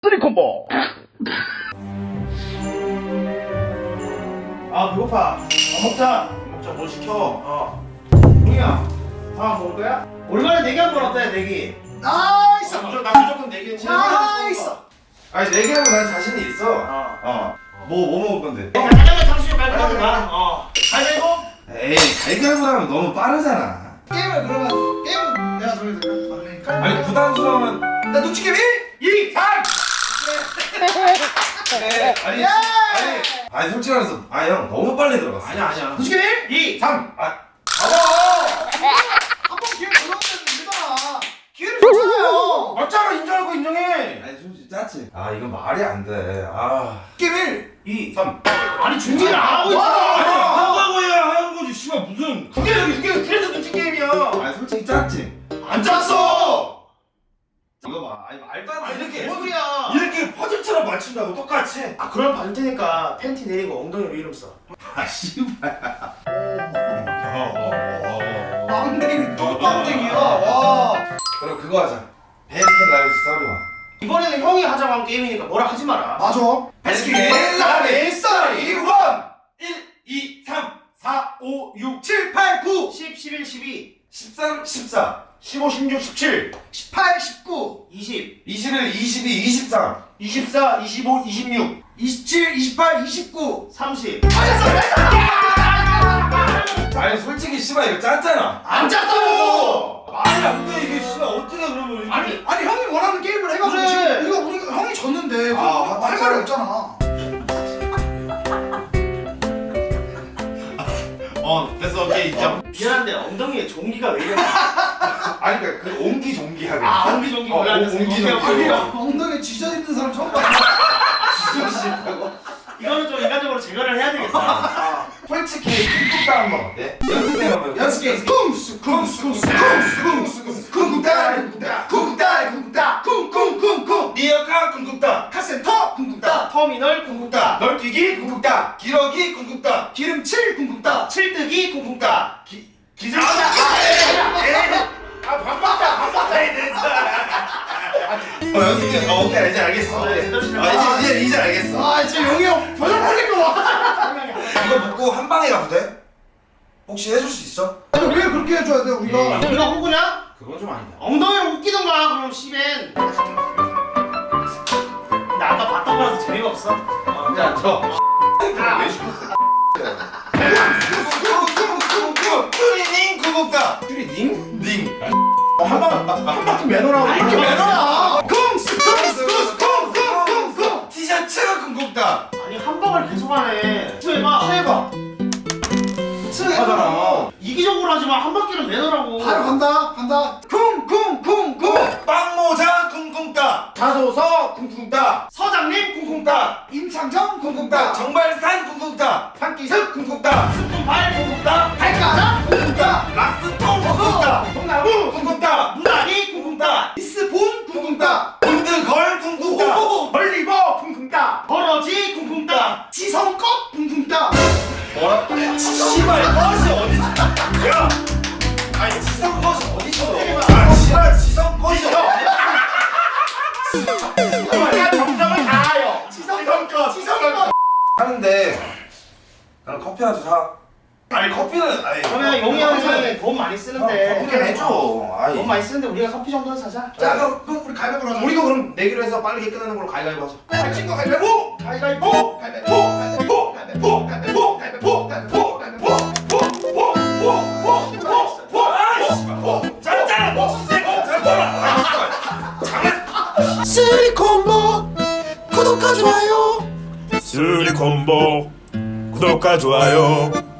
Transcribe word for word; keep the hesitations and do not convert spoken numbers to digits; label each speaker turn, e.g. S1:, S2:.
S1: 쓰리콤보.
S2: 아 배고파. 밥 먹자.
S3: 먹자. 뭐 시켜?
S2: 어. 동이야. 밥 먹을 거야? 오랜만에 내기 한 번 어때? 내기.
S3: 나이스. 무조건 나 무조건 내기는 치는
S2: 나이스.
S3: 아니 내기하면 난 자신이 있어.
S2: 어.
S3: 어. 뭐 뭐 먹을 건데?
S2: 가자면 탕수육 깔끔하다. 어. 가위바위보.
S3: 에이 갈갈보다는 너무 빠르잖아.
S4: 게임을 그러면 게임 내가 저기 막내
S3: 아니 부담스러우면
S4: 나 눈치 게임 일,
S3: 이, 삼. 그래. 아니 아니 아니 솔직히 말해서 아 형 너무 빨리 들어갔어.
S2: 아니야 아니야.
S4: 눈치 게임 일,
S2: 이.
S3: 삼. 아
S4: 한번 기회를 줘봤는데 되잖아. 기회를 줬잖아요.
S3: 맞잖아. 인정하고 인정해. 아니 솔직히 짜치. 아 이건 말이 안 돼. 아.
S4: 게임 일,
S3: 이, 삼.
S2: 아니 준비를 안 하고
S3: 아니
S2: 있잖아.
S3: 한다고 해야 하는 거지. 씨발 무슨.
S2: 그게 여기 그게 그래서 눈치 게임이야.
S3: 아니 솔직히 짰지.
S2: 안 짰어.
S3: 이거 봐. 아니 말도 안
S2: 아니
S3: 돼.
S2: 이렇게
S3: 이렇게
S2: 소리야.
S3: 이렇게 퍼즐처럼 맞춘다고 똑같이.
S2: 아 그럼 받을 테니까 팬티 내리고 엉덩이로 이름 써.
S3: 아 씨발.
S4: 빵댕이 또 빵댕이야. 와.
S3: 그럼 그거 하자. 베스킨 라이스 썰이와.
S2: 이번에는 형이 하자고 한 게임이니까 뭐라 하지 마라.
S4: 맞아.
S3: 베스킨
S4: 라빈스 썰이 원,
S3: 일, 이, 삼, 사, 오, 육, 칠, 팔, 구,
S2: 십, 십일, 십이,
S3: 십삼, 십사,
S2: 십오, 십육, 십칠,
S4: 십팔, 십구,
S2: 이십,
S3: 이십일, 이십이, 이십삼.
S2: 이십사, 이십오, 이십육,
S4: 이십칠, 이십팔, 이십구.
S2: 삼십.
S3: 아니 솔직히 씨발 이거 짰잖아.
S2: 안 짰다고.
S3: 말이 안 돼 이게 씨발 어떻게 그러면 이게.
S2: 아니
S4: 아니 형이 원하는 게임을 해가지고
S2: 그래.
S4: 지금 이거 우리가 형이 졌는데
S3: 아,
S4: 할 말이 없잖아.
S3: 어 됐어 오케이 인정.
S2: 미안한데 엉덩이에 종기가 왜 이래?
S3: 아니 그러니까 그 옹기종기하게.
S2: 아 옹기종기
S3: 어,
S2: 원래 안 됐어.
S3: 옹기종기.
S2: 오케이, 오케이.
S4: 엉덩이에 쥐져 있는 사람 처음 봤어.
S2: 이거는 좀 인간적으로 제거를 해야 되겠다. 아.
S3: 솔직히 쿵쿵따 한번 어때? 연습해봐요.
S4: 연습 게임. 쿵스 쿵스 쿵스 쿵스 쿵스 쿵쿵따 쿵쿵따 쿵쿵따 쿵쿵따 쿵쿵쿵쿵
S3: 리어카 쿵쿵따.
S4: 카센터 쿵쿵따
S2: 터미널 쿵쿵따,
S3: 널뛰기 쿵쿵따. 기러기 쿵쿵따.
S4: 기름칠 쿵쿵따
S2: 칠뜨기 쿵쿵따.
S3: 기 기술.
S2: 아 반박다 반박다.
S3: 어 연습해. 어 오케이 이제 알겠어.
S2: 어,
S3: 아
S2: 네, 제대로 시작해.
S3: 이제 이제 이제 알겠어.
S4: 아 지금 용이 형 표정 풀린 거 봐.
S3: 이거 먹고 한 방에 가도 돼? 혹시 해줄 수 있어?
S4: 아니 왜 그렇게 해줘야 돼 우리가?
S2: 우리가 호구냐?
S3: 그건 좀 아니다.
S2: 엉덩이로 웃기던가 그럼 씨벤. 근데 아까 봤던 거라서 재미가 없어. 어,
S3: 이제 앉아.
S2: 아,
S3: 왜 시켰어? 쭈리닝 구국다. 쭈리닝? 닝.
S2: 한방 한 바퀴 매너라고.
S4: 아 이렇게 매너라. 쿵스 쿵스 쿵스 쿵쿵 쿵쿵.
S3: 티셔츠 구국다.
S2: 아니 한 방을 계속하네. 해봐. 해봐.
S3: 하잖아.
S2: 이기적으로 하지만 한 바퀴는 매너라고.
S4: 바로 간다 간다. 쿵쿵쿵쿵.
S3: 빵모자 쿵쿵따. 자소서 쿵쿵따.
S2: 서장님 쿵쿵따.
S4: 임창정
S3: 쿵쿵따.
S4: 쿵쿵따.
S3: 정발산 쿵쿵따.
S4: 한기습
S3: 쿵쿵따.
S2: 스푼발 쿵쿵따.
S4: 발가락 쿵쿵따.
S3: 락스통 쿵쿵따.
S2: 통나무
S3: 쿵쿵따.
S2: 무다리 쿵쿵따.
S4: 미스본 쿵쿵따.
S3: 골드걸 쿵쿵따.
S2: 벌리버 쿵쿵따. 버러지 쿵쿵따.
S4: 지성껏 쿵쿵따.
S3: 뭐야? 씨발 컷이 어딨어? 야! 아니 지성 컷이 어딨어? 아 씨발 지성 컷이
S2: 우리가 정성을 다하여.
S4: 지성껏 지성껏.
S3: 하는데 나는 커피 하나 사. 아니 커피는 아니
S2: 그러면 용이 형이 돈 많이 쓰는데.
S3: 커피는 해줘. 아이.
S2: 돈 많이 쓰는데 우리가 커피 정도는 사자.
S4: 자 그럼 그럼 우리 가위바위보로 하자.
S2: 우리도 그럼 내기로 해서 빠르게 끝나는 걸로 가위바위보 하자.
S4: 아, 친구 가위바위보.
S2: 가위바위보.
S4: 가위바위보. 가위바위보. 가위바위보. 가위바위보. 가위바위보. 가위바위보. 가위바위보.
S3: 짠짠 먹으세요. 짠짠. 장난.
S4: 쓰리콤보 구독과 좋아요.
S5: 쓰리콤보 구독과 좋아요